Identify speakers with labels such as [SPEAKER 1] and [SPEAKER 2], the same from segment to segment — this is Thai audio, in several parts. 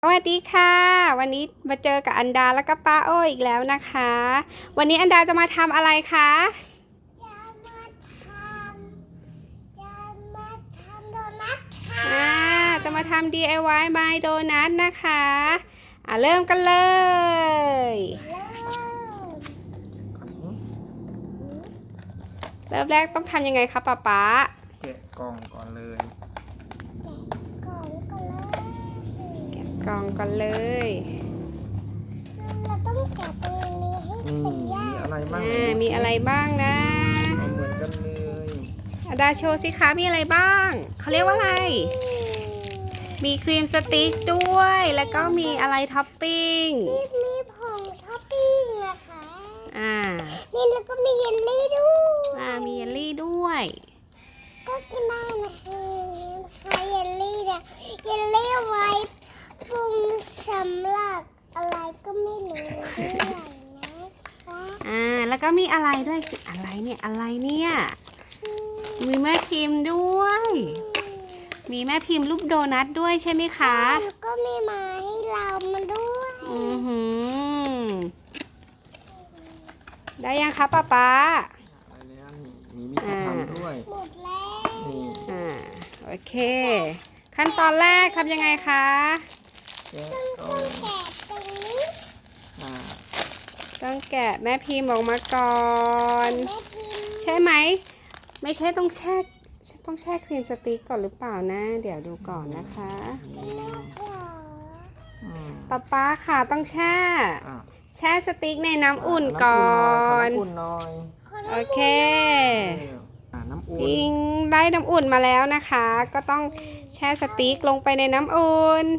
[SPEAKER 1] สวัสดีค่ะวันนี้มาเจอกับอันดาและก็ป้าโอ้อีกแล้วนะคะวันนี้อันดาจะมาทำอะไรคะ
[SPEAKER 2] จะมาทจะมาทำโดนัทค่ะ
[SPEAKER 1] จะมาทำ DIY My Donut นะคะเริ่มกันเลย เริ่มแรกต้องทำยังไงคะป๊า
[SPEAKER 3] แกะกล่องก่อนเลย
[SPEAKER 2] แกะกล่องก่อนเลย
[SPEAKER 1] แกะกล่องก่อนเลย
[SPEAKER 2] เราต้องแกะตรงนี้ให้เป็นหญ้า
[SPEAKER 3] มีอะไรบ้าง
[SPEAKER 1] มีอะไรบ้างนะ
[SPEAKER 3] เหมือนกันเลย
[SPEAKER 1] อันดาโชว์สิคะมีอะไรบ้างเขาเรียกว่าอะไรมีครีมสติ๊กด้วยแล้วก็มีอะไรท็อปปิ้ง
[SPEAKER 2] มีผงท็อปปิ้งนะคะนี่แล้วก็มีเยลลี่ด้วย
[SPEAKER 1] มีเยลลี่ด้วย
[SPEAKER 2] ก็กินได้นะคะเยลลี่เนี่ยเยลลี่ไว้ปรุงสำหรับอะไรก็ไม่รู้ด้วยนะคะ
[SPEAKER 1] แล้วก็มีอะไรด้วยอะไรเนี่ยมีแม่พิมพ์ด้วย มีแม่พิมพ์รูปโดนัทด้วยใช่ไหมคะ
[SPEAKER 2] แล้วก็มีมาให้เรามาด้วย
[SPEAKER 1] ได้ยังคะป๊า
[SPEAKER 3] อะไรเนี่ยมีวิธีทำด้วย
[SPEAKER 2] หมดแล้ว
[SPEAKER 3] นี่
[SPEAKER 1] โอเคขั้นตอนแรกทำยังไงคะ
[SPEAKER 3] แกะ
[SPEAKER 2] ต้องแกะตรงนี้
[SPEAKER 1] ต้องแกะแม่พิมพ์ออกมาก่อน
[SPEAKER 2] แม่พิมพ์
[SPEAKER 1] ใช่ไหมไม่ใช่ต้องแช่ครีมสติ๊กก่อนหรือเปล่านะเดี๋ยวดูก่อนนะคะป๊าค่ะต้องแช่สติ๊กในน้ำอุ่นก่อน
[SPEAKER 3] น้ำอุ่นหน่อย
[SPEAKER 1] โอเค
[SPEAKER 3] น้ำอุ่น
[SPEAKER 1] พิงได้น้ำอุ่นมาแล้วนะคะ ก็ต้องแช่สติ๊กลงไปในน้ำอุ่น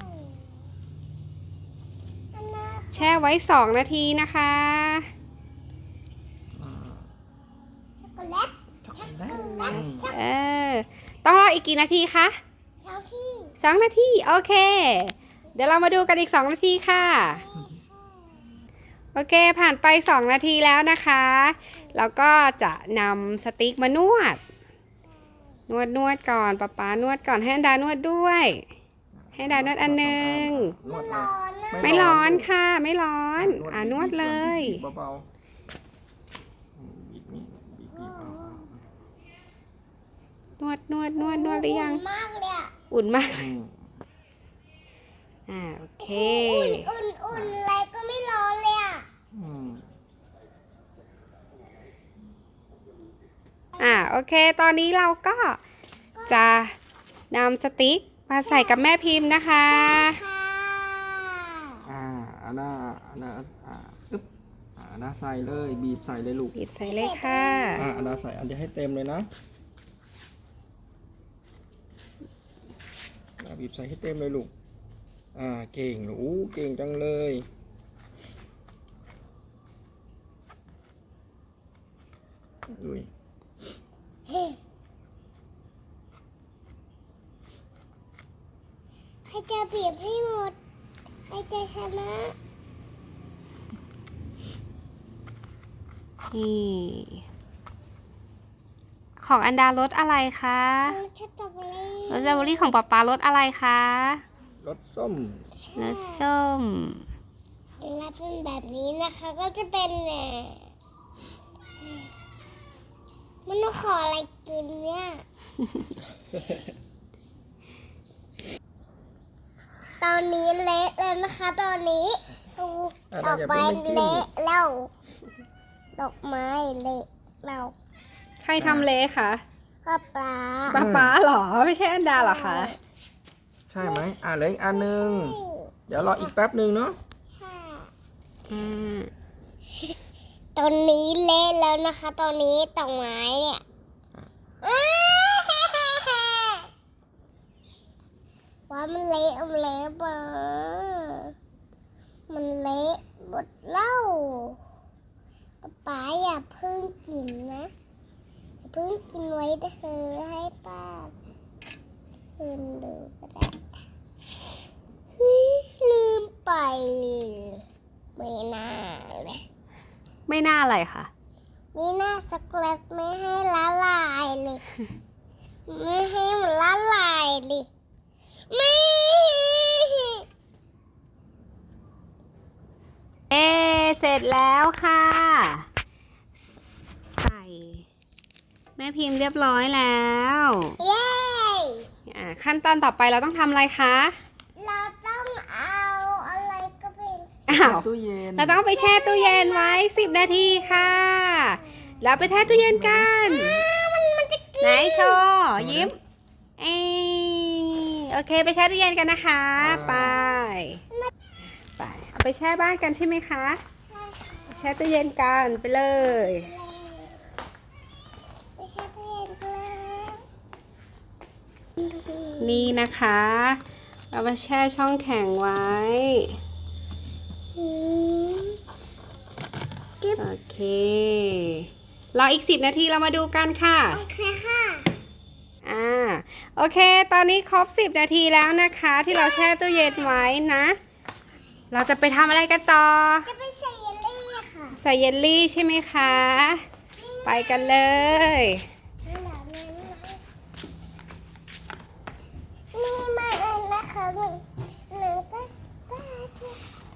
[SPEAKER 1] แช่ไว้2 นาทีนะคะ
[SPEAKER 2] ช็อกโกแลต
[SPEAKER 1] ต้องรออีกกี่นาทีคะ2 นาทีโอเคเดี๋ยวเรามาดูกันอีก2 นาทีค่ะโอเคผ่านไป2 นาทีแล้วนะคะแล้วก็จะนำสติ๊กมานวดก่อนป๊านวดก่อนให้อันดานวดด้วยให้อันดานวดอันหนึ่งไม่ร้อนค่ะไม่ร้อนนวดเลย
[SPEAKER 3] เบา
[SPEAKER 1] ๆนวดหรือยัง
[SPEAKER 2] มากเลย
[SPEAKER 1] อุ่นมากโอเค
[SPEAKER 2] อุ่นอะไรก็ไม่ร้อนเลย
[SPEAKER 1] โอเคตอนนี้เราก็จะนำสติ๊กมาใส่กับแม่พิมพ์นะคะ
[SPEAKER 3] อันน่าอึ๊บอันน่าใส่เลยบีบใส่เลยลูก
[SPEAKER 1] บีบใส่เลยค่ะ
[SPEAKER 3] อันน่าใส่อันเดียวให้เต็มเลยนะบีบใส่ให้เต็มเลยลูกเก่งเก่งจังเลยลุย
[SPEAKER 2] ใครจะบีบให้หมดใครจะชนะ
[SPEAKER 1] นี่ของอันดารสอะไรคะ
[SPEAKER 2] รสสตรอเบอ
[SPEAKER 1] รี่ของป๊ารสอะไรคะ
[SPEAKER 3] รสส้ม
[SPEAKER 1] รสส้ม
[SPEAKER 2] แล้วเป็นแบบนี้นะคะก็จะเป็นมันต้องขออะไรกินเนี่ยตอนนี้เละแล้วนะคะตอนนี้ดอกไม้เละแล้วดอกไม้เละแล้ว
[SPEAKER 1] ใครทำเละคะ
[SPEAKER 2] ป๊า
[SPEAKER 1] หรอไม่ใช่อันดาหรอคะ
[SPEAKER 3] ใช่ไหมเหลืออีกอันนึงเดี๋ยวรออีกแป๊บนึงเนาะ
[SPEAKER 2] ตอนนี้เละแล้วนะคะตอนนี้ดอกไม้เนี่ยว่ามันเละเบอมันเละหมดเล่าป๊าอย่าเพิ่งกินนะเพิ่งกินไว้เธอให้ป้าลืมดูก็ได้ลืมไปไม่น่าเลย
[SPEAKER 1] ไม่น่าอะไรคะ
[SPEAKER 2] ไม่น่าช็อกโกแลตไม่ให้ละลายเลยไม่ให้มันละลายเลยไม่
[SPEAKER 1] เสร็จแล้วค่ะ ใส่แม่พิมพ์เรียบร้อยแล้ว
[SPEAKER 2] เย้
[SPEAKER 1] ขั้นตอนต่อไปเราต้องทำอะไรคะ
[SPEAKER 2] เราต้องเอาอะไรก็เป็น
[SPEAKER 1] อ้าว
[SPEAKER 3] ตู้เย็น
[SPEAKER 1] เราต้องเอาไปแช่ตู้เย็นไว้10 นาทีค่ะ แล้วไปแช่ตู้เย็นกัน
[SPEAKER 2] มันจะกิน
[SPEAKER 1] ไหนโชว์ยิ้ม เอ้ยโอเคไปแช่ตู้เย็นกันนะคะ ไปเอาไปแช่บ้านกันใช่ไหมคะ แช่ตู้เย็นกันไปเลย
[SPEAKER 2] ไปแช่ตู้เย็นกันเลย
[SPEAKER 1] นี่นะคะ เราไปแช่ช่องแข็งไว้
[SPEAKER 2] อืม
[SPEAKER 1] โอเค รออีก10 นาทีเรามาดูกันค่ะ
[SPEAKER 2] โอเคค่ะ
[SPEAKER 1] โอเค ตอนนี้ครบ10 นาทีแล้วนะคะ ที่เราแช่ตู้เย็นไว้นะ เราจะไปทำอะไรกันต่อ
[SPEAKER 2] จะไปใส่เยลลี่ค่ะ
[SPEAKER 1] ใส่เยลลี่ใช่ไหมคะ ไปกันเลย
[SPEAKER 2] นี่มาเองนะคะหนูก็จะ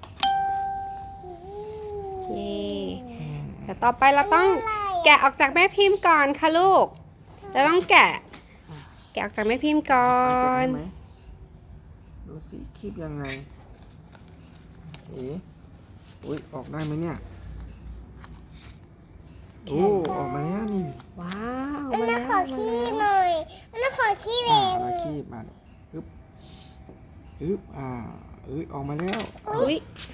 [SPEAKER 1] นี่แต่ต่อไปเราต้องแกะออกจากแม่พิมพ์ก่อนค่ะลูก เราต้องแกะออกจากแม่พิมพ์ก่อน
[SPEAKER 3] แกะได้ไหมดูสิคีบยังไง เอ๋อุ้ยออกได้ไหมเนี่ยโอ้ออกมาแล้วนี่
[SPEAKER 1] ว้าว
[SPEAKER 2] อันนั้นขอขี้
[SPEAKER 1] มา
[SPEAKER 2] หน่อยอันนั้นขอขี้เอง
[SPEAKER 3] มาคีบมาฮึบฮึบออกมาแล้ว
[SPEAKER 1] อุ๊ย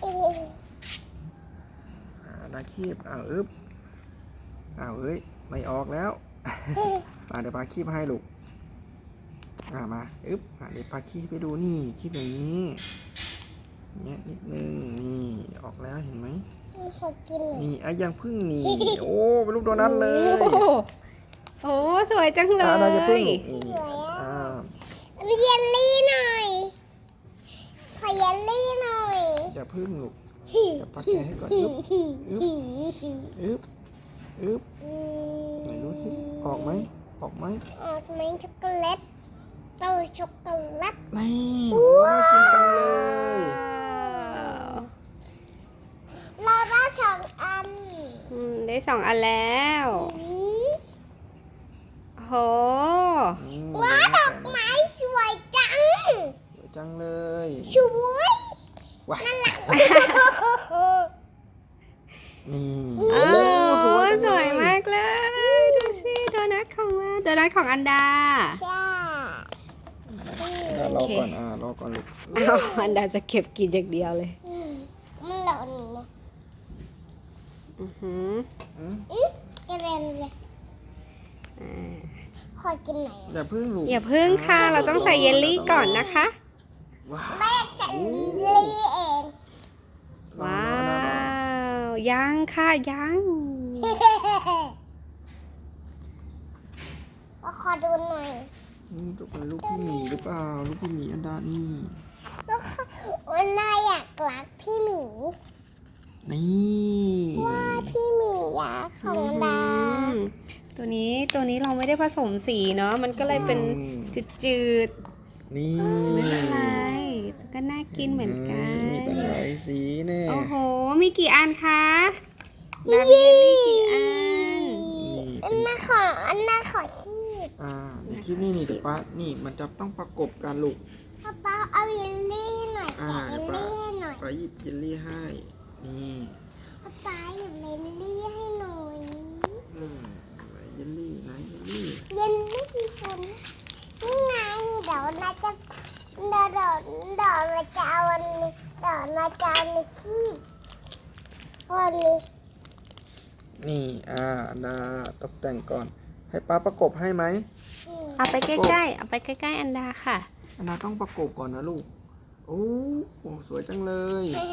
[SPEAKER 3] ได้คีบอึบเอ้ยไม่ออกแล้ว เดี๋ยวปาคีบให้ลูกมาอึบเดี๋ยวปาคีบไปดูนี่คีบอย่างนี้เนี่ยนิดนึงนี่ออกแล้วเห็นไหม
[SPEAKER 2] ขอกินหน่อย
[SPEAKER 3] นี่ยังพึ่งนี่ โอ้เป็นลูกโดนัทเลย
[SPEAKER 1] โอ้สวยจังเล
[SPEAKER 3] เราจะพึ่ง
[SPEAKER 1] ย
[SPEAKER 3] นี่อ่า
[SPEAKER 2] อันเยลลี่หน่อยขอเยลลี่หน่อย
[SPEAKER 3] อย่าพึ่งลูกเดี๋ยวปาแกะให้ก่อนอึบไหนดูสิออกไหม
[SPEAKER 2] ออกไหมช็อกโกแลตเต้าช็อกโกแลต
[SPEAKER 3] ไม่โอ้น่ากินจังเลย
[SPEAKER 2] เราได้2 อัน
[SPEAKER 1] ได้2 อันแล้วโห
[SPEAKER 2] ว้าวดอกไม้สวยจัง
[SPEAKER 3] สวยจังเลย
[SPEAKER 2] สวย
[SPEAKER 3] ว้า นี่
[SPEAKER 1] โอ้
[SPEAKER 3] สวยจัง
[SPEAKER 1] ส
[SPEAKER 3] เล
[SPEAKER 1] วยมากเลย ดูสิโดนัทของเราโดนัทของอันดา
[SPEAKER 2] ใช่
[SPEAKER 3] รอก่อนรอก่อนลูก
[SPEAKER 1] อ้าวอันดาจะเก็บกินอย่างเดียวเลย
[SPEAKER 2] มันหล่นนะ
[SPEAKER 1] อือหือ
[SPEAKER 2] กระเด็นเลยขอกินหน่อย
[SPEAKER 3] อย่าพึ่งลูก
[SPEAKER 1] อย่าพึ่งค่ะ เราต้องใส่เยลลี่ก่อนนะคะ
[SPEAKER 3] ว้าว
[SPEAKER 2] แม่จะลีเอง
[SPEAKER 1] ว้าว ยังค่ะยัง
[SPEAKER 2] ขอดูหน่อย
[SPEAKER 3] นี่ลูกเป็นลูกพี่หมีหรือเปล่า ลูกพี่หมีอันดานี่
[SPEAKER 2] แล้ววันน่าอยากรักพี่หมี
[SPEAKER 3] นี่
[SPEAKER 2] ว่าพี่หมีอยากของดา
[SPEAKER 1] ตัวนี้เราไม่ได้ผสมสีเนาะ มันก็เลยเป็นจืด
[SPEAKER 3] นี่
[SPEAKER 1] ๆ ไม่เป็นไรแต่ก็น่ากินเหมือนกัน
[SPEAKER 3] มีตั้งหลายสีแน่
[SPEAKER 1] โอ้โห มีกี่อันคะดามีเยลลี่กี่อัน
[SPEAKER 2] อันน่าขอขี้
[SPEAKER 3] ในคลิปนี้นี่เดี๋ยวป้านี่มันจะต้องประกบกันลูก
[SPEAKER 2] ป้าเอาเยลลี่ให้หน่อยแกะเยลลี่ให้หน่อย
[SPEAKER 3] ป้าหยิบเยลลี่ให้ นี่
[SPEAKER 2] ป้าหยิบเยลลี่ให้หน่อย
[SPEAKER 3] เยลลี่นะเยลลี่
[SPEAKER 2] เยลลี่คนนี่ไงเดี๋ยวเราจะเอาวันนี้เดี๋ยวเราจะเอาในขี้วันนี้
[SPEAKER 3] นี่อันดาตกแต่งก่อน ให้ป้าประกบให้ไหม
[SPEAKER 1] เอาไปใกล้ๆ เอาไปใกล้ๆ อันดาค่ะ
[SPEAKER 3] อันดาต้องประกบก่อนนะลูก โอ้สวยจังเลย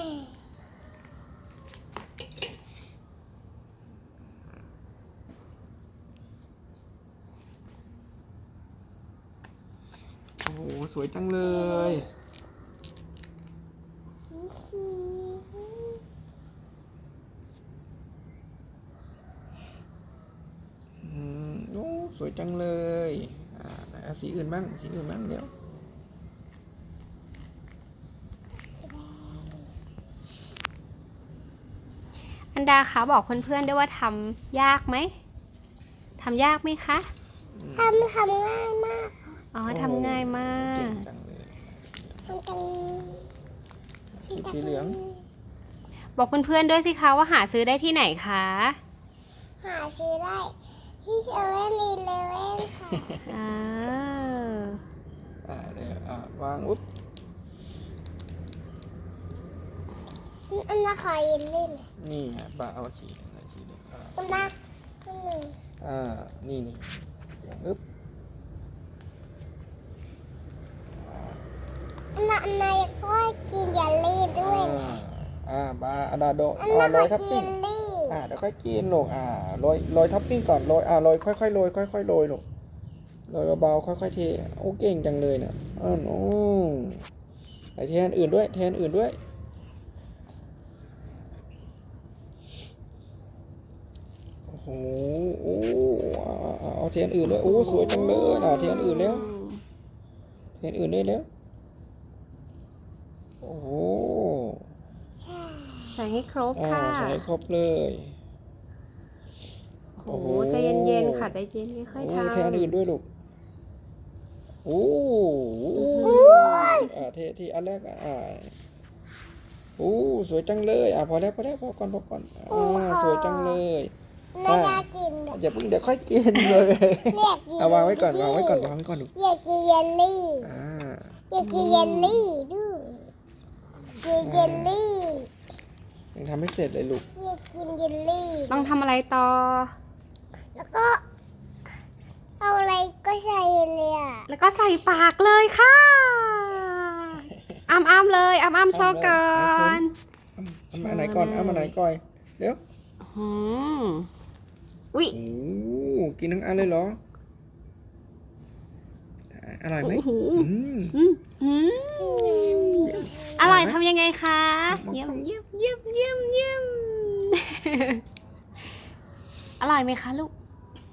[SPEAKER 3] โอ้โหสวยจังเลย โอ้สวยจังเลยไหนเอาสีอื่นบ้างเดี๋ยว
[SPEAKER 1] อันดาคะบอกเพื่อนๆด้วยว่าทำยากไหมทำยากไหมคะ
[SPEAKER 2] ทำง่ายมากค่ะ
[SPEAKER 1] อ๋อทำง่ายมา
[SPEAKER 3] เก่
[SPEAKER 1] ก
[SPEAKER 3] งจังเลย
[SPEAKER 2] ทำกัน
[SPEAKER 3] สีเหลือง
[SPEAKER 1] บอกเพื่อนๆด้วยสิคะว่าหาซื้อได้ที่ไหนคะ
[SPEAKER 2] หาซื้อได้ที่เซเว่นอีเลเว่นค่ะ
[SPEAKER 1] อ่า
[SPEAKER 3] เดี๋ยววางอุ๊บ
[SPEAKER 2] อันน่าขอยินลี่ไหม
[SPEAKER 3] นี่ฮะป้าเอาสีอะไรสีเหลือง
[SPEAKER 2] อันน่าอันหนึ่ง
[SPEAKER 3] นี่เหลืองอึ๊บ
[SPEAKER 2] อันน่าก็กินเยลลี่ด้วยนะ
[SPEAKER 3] บาอาดาโด
[SPEAKER 2] อันน่า
[SPEAKER 3] โร
[SPEAKER 2] ขอย
[SPEAKER 3] ทับ
[SPEAKER 2] กิ
[SPEAKER 3] ปิ้ง
[SPEAKER 2] นลี่
[SPEAKER 3] เดี๋ยวค่อยกินลูกโรยท็อปปิ้งก่อนโรยค่อยๆโรยค่อยๆโรยลูกโรยเบาๆค่อยๆเทโอ้เก่งจังเลยเนี่ยโอ้ใส่เทอันอื่นด้วยโอ้โหเอาเทอันอื่นด้วยโอ้สวยจังเลยเทอันอื่นแล้วเทอันอื่นได้แล้วโอ้โห
[SPEAKER 2] ใช่
[SPEAKER 1] ใส่ให้ครบค่ะ
[SPEAKER 3] ใส่ครบเลย
[SPEAKER 1] โอ้โหใจเย็นๆค่ะใจเย็นค่อยๆทำ
[SPEAKER 3] เทอันอื่นด้วยลูกโอ้เทอันแรกสวยจังเลยพอแล้วพอก่อนสวยจังเลย
[SPEAKER 2] ไม่น่ากินเลย
[SPEAKER 3] อย่าเพิ่งเดี๋ยวค่อยกินเลย
[SPEAKER 2] อยากกิน
[SPEAKER 3] วางไว้ก่อนลูก
[SPEAKER 2] อยากกินเยลลี่ อยากกินเยลลี่ด้วยกินเยลลี่
[SPEAKER 3] ยังทำไม่เสร็จเลยลูก
[SPEAKER 2] อยากกินเยลลี่
[SPEAKER 1] ต้องทำอะไรต่อ
[SPEAKER 2] แล้วก็เอาอะไรก็ใส่เลยอ่ะ
[SPEAKER 1] แล้วก็ใส่ปากเลยค่ะอ้ำๆเลยอ้ำๆโชว์ก่อน
[SPEAKER 3] เอามาไหนก่อนเดี๋ยว
[SPEAKER 1] อืมอุ๊ย
[SPEAKER 3] โอ้กินทั้งอันเลยเหรออร่อยไหม
[SPEAKER 1] อร่อยทำยังไงคะเยี่ยมอร่อยไหมคะลูก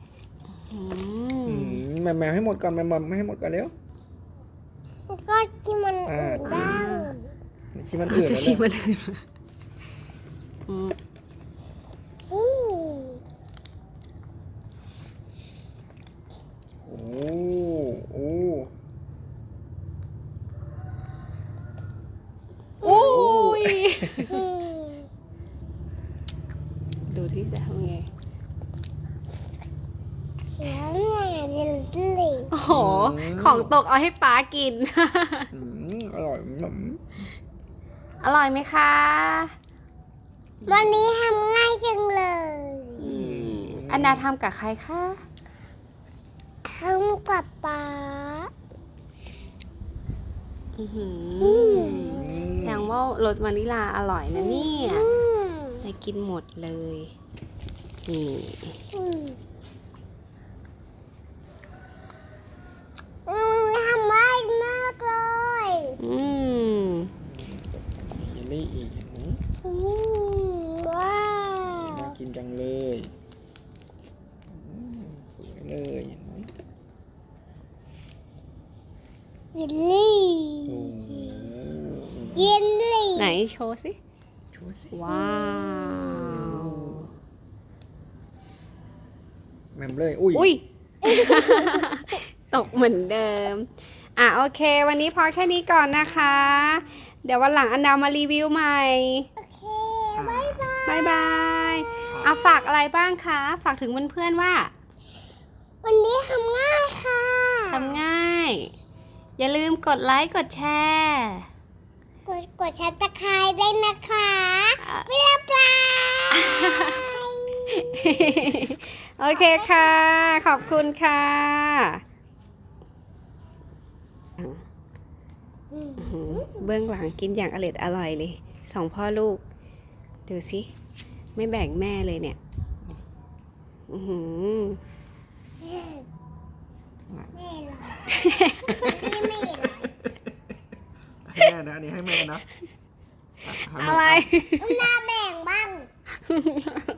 [SPEAKER 3] แมวให้หมดก่อนไม่ให้หมดก่อนเร็ว
[SPEAKER 2] แล้วก็ที่มันอื่นบ้าง
[SPEAKER 3] ชิมมันอื่น
[SPEAKER 1] จะ
[SPEAKER 3] แล้ว
[SPEAKER 1] ชิม
[SPEAKER 3] นะ
[SPEAKER 1] มันอื่น
[SPEAKER 2] อืม
[SPEAKER 3] โอ้
[SPEAKER 1] อุ้ย
[SPEAKER 2] อืม
[SPEAKER 1] ดูที่จะทำไง
[SPEAKER 2] แล้วไงเยลลี่
[SPEAKER 1] โอ้โห ของตกเอาให้ป๊ากิน
[SPEAKER 3] อร่อย
[SPEAKER 1] อร่อยไหมคะ
[SPEAKER 2] วันนี้ทำง่ายจังเลย
[SPEAKER 1] อันดาทำกับใครคะ
[SPEAKER 2] ทำกับป๊า
[SPEAKER 1] แสดงว่ารสวานิลาอร่อยนะเนี่ย
[SPEAKER 2] อืม
[SPEAKER 1] ได้กินหมดเลย นี่
[SPEAKER 2] อืมทำง่ายมากเลย
[SPEAKER 1] อืม
[SPEAKER 3] เยลลี่อีก
[SPEAKER 2] อืมว้าว
[SPEAKER 3] น่ากินจังเลยสวยเลย
[SPEAKER 2] เยลลี่
[SPEAKER 3] โอ้
[SPEAKER 2] เยลลี่
[SPEAKER 1] ไหนโชว์สิ
[SPEAKER 3] ชูสิ
[SPEAKER 1] ว้าว
[SPEAKER 3] แมมเลยอุ้ย
[SPEAKER 1] อุ้ย ตกเหมือนเดิม โอเค วันนี้พอแค่นี้ก่อนนะคะ เดี๋ยววันหลังอันดามารีวิวใหม่
[SPEAKER 2] โอเคบ๊ายบาย
[SPEAKER 1] บายบายฝากอะไรบ้างคะ ฝากถึงเพื่อนๆว่า
[SPEAKER 2] วันนี้ทำง่ายค่ะ
[SPEAKER 1] ทำง่าย อย่าลืมกดไลค์กดแชร์
[SPEAKER 2] กดชัตะไคร้ได้นะคะเรียบร้อย
[SPEAKER 1] โอเคค่ะ ขอบคุณค่ะ เบื้องหลังกินอย่างอร่อยเลยสองพ่อลูก ดูสิไม่แบ่งแม่เลยเนี่ย อื้อหือ
[SPEAKER 2] ไม่หรอกนี่ไม่หรอก
[SPEAKER 3] ให้แม่นะอันนี้ให้แม่นะ
[SPEAKER 1] อะไร
[SPEAKER 2] หน้าแบ่งบ้าง